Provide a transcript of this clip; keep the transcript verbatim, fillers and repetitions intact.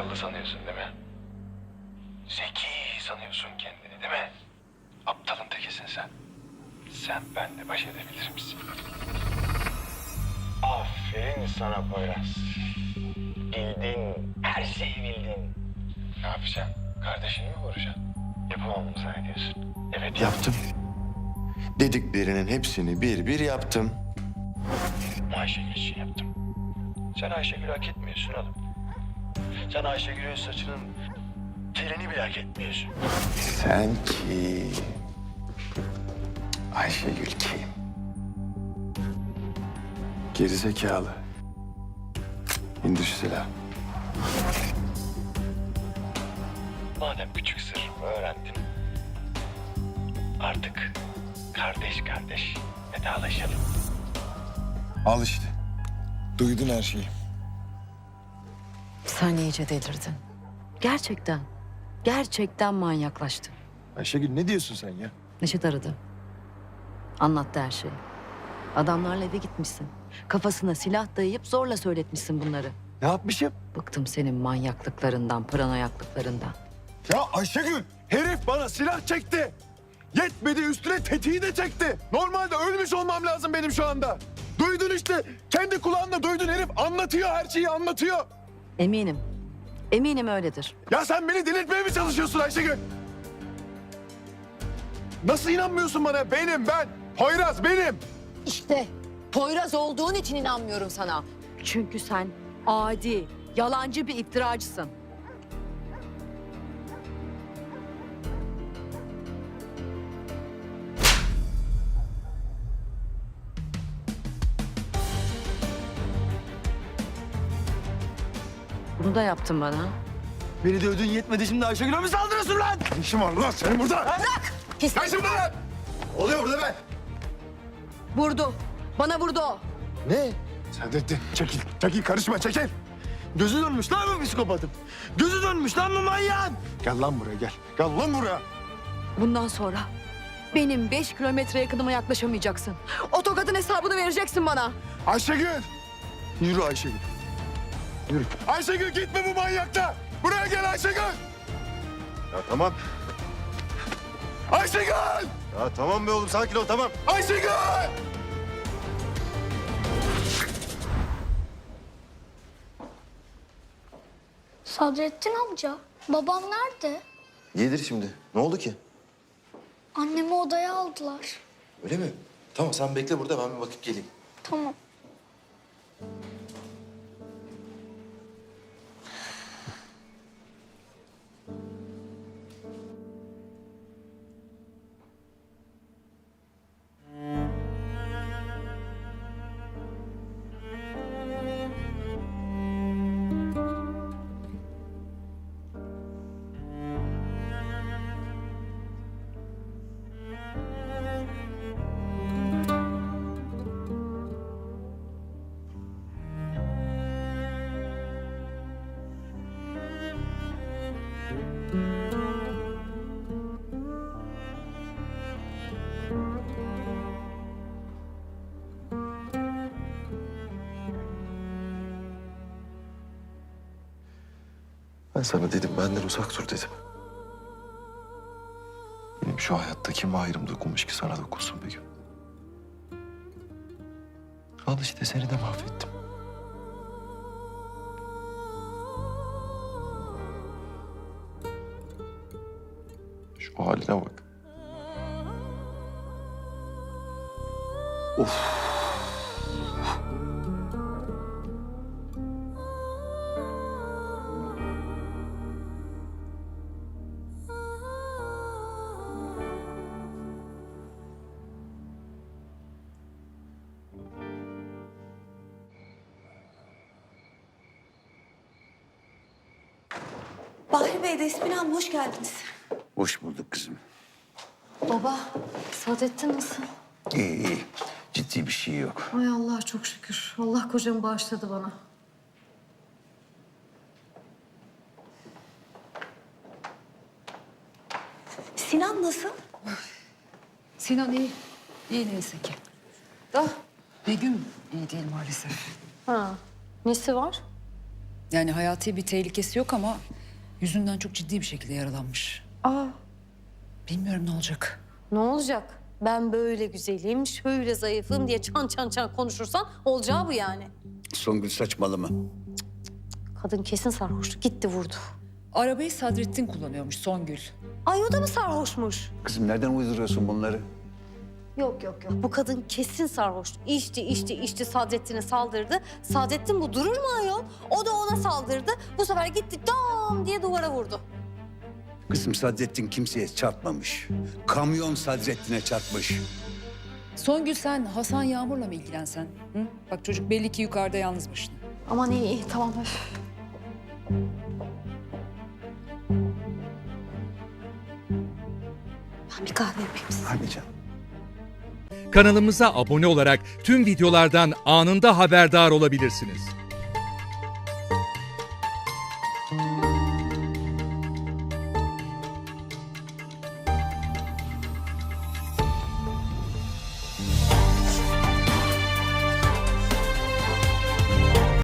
akıllı sanıyorsun değil mi? Zeki sanıyorsun kendini değil mi? Aptalın tekisin sen. Sen benimle baş edebilir misin? Aferin sana Poyraz. Bildin, her şeyi bildin. Ne yapacaksın? Kardeşini mi vuracaksın? Yapamam mı zannediyorsun? Evet Yaptım. Dediklerinin hepsini bir bir yaptım. Ayşegül için yaptım. Sen Ayşegül hak etmiyorsun oğlum. Sen Ayşegül'ün saçının telini bile hak etmiyorsun. Sen kim? Ayşegül kim? Gerizekalı. İndir şu silahı. Madem küçük sırrımı öğrendin, artık kardeş kardeş vedalaşalım. Al işte. Duydun her şeyi. Sen iyice delirdin. Gerçekten. Gerçekten manyaklaştın. Ayşegül ne diyorsun sen ya? Neşet aradı. Anlattı her şeyi. Adamlarla eve gitmişsin. Kafasına silah dayayıp zorla söyletmişsin bunları. Ne yapmışım? Bıktım senin manyaklıklarından, paranoyaklıklarından. Ya Ayşegül, herif bana silah çekti. Yetmedi üstüne tetiği de çekti. Normalde ölmüş olmam lazım benim şu anda. Duydun işte. Kendi kulağınla duydun, herif anlatıyor, her şeyi anlatıyor. Eminim. Eminim öyledir. Ya sen beni delirtmeye mi çalışıyorsun Ayşegül? Nasıl inanmıyorsun bana? Benim ben. Poyraz benim. İşte Poyraz olduğun için inanmıyorum sana. Çünkü sen adi, yalancı bir iftiracısın. Bunu da yaptın bana. Beni dövdüğün yetmedi, şimdi Ayşegül'e mi saldırıyorsun lan? Ne işin var lan senin burada? Bırak! Pis. Ne işin var lan? Oluyor burada be. Vurdu. Bana vurdu o. Ne? Sen de, de çekil, çekil karışma çekil. Gözü dönmüş lan bu psikopatın. Gözü dönmüş lan bu manyağın. Gel lan buraya gel. Gel lan buraya. Bundan sonra benim beş kilometre yakınıma yaklaşamayacaksın. O tokatın hesabını vereceksin bana. Ayşegül. Yürü Ayşegül. Yürü. Ayşegül gitme bu manyakta. Buraya gel Ayşegül. Ya tamam. Ayşegül. Ya tamam be oğlum sakin ol tamam. Ayşegül. Sadrettin amca, babam nerede? Gelir şimdi. Ne oldu ki? Annemi odaya aldılar. Öyle mi? Tamam sen bekle burada ben bir bakıp geleyim. Tamam. Ben sana dedim benden uzak dur dedim. Benim şu hayatta kim ayrım dokunmuş ki sana dokunsun bir gün. Al işte seni de mahvettim. Şu haline bak. Of. Bahri Bey, Despina Hanım hoş geldiniz. Hoş bulduk kızım. Baba, Saadettin nasıl? İyi iyi. Ciddi bir şey yok. Ay Allah çok şükür. Allah kocamı bağışladı bana. Sinan nasıl? Sinan iyi. İyi neyse ki. Da Begüm iyi değil maalesef. Ha, nesi var? Yani hayati bir tehlikesi yok ama yüzünden çok ciddi bir şekilde yaralanmış. Aa, Bilmiyorum ne olacak. ne olacak? Ben böyle güzelim, şöyle zayıfım diye çan çan çan konuşursan olacağı bu yani. Songül saçmalama. Kadın kesin sarhoştu. Gitti vurdu. Arabayı Sadrettin kullanıyormuş Songül. Ay o da mı sarhoşmuş? Kızım nereden uyduruyorsun bunları? Yok yok yok. Bu kadın kesin sarhoş. İçti içti içti Sadrettin'e saldırdı. Sadrettin bu durur mu ayol? O da ona saldırdı. Bu sefer gitti dam diye duvara vurdu. Kızım Sadrettin kimseye çarpmamış. Kamyon Sadrettin'e çarpmış. Songül sen Hasan Yağmur'la mı ilgilensen? Hı? Bak çocuk belli ki yukarıda yalnız başına. Aman iyi iyi tamam öf. Ben bir kahve yapayım size. Hadi canım. Kanalımıza abone olarak tüm videolardan anında haberdar olabilirsiniz.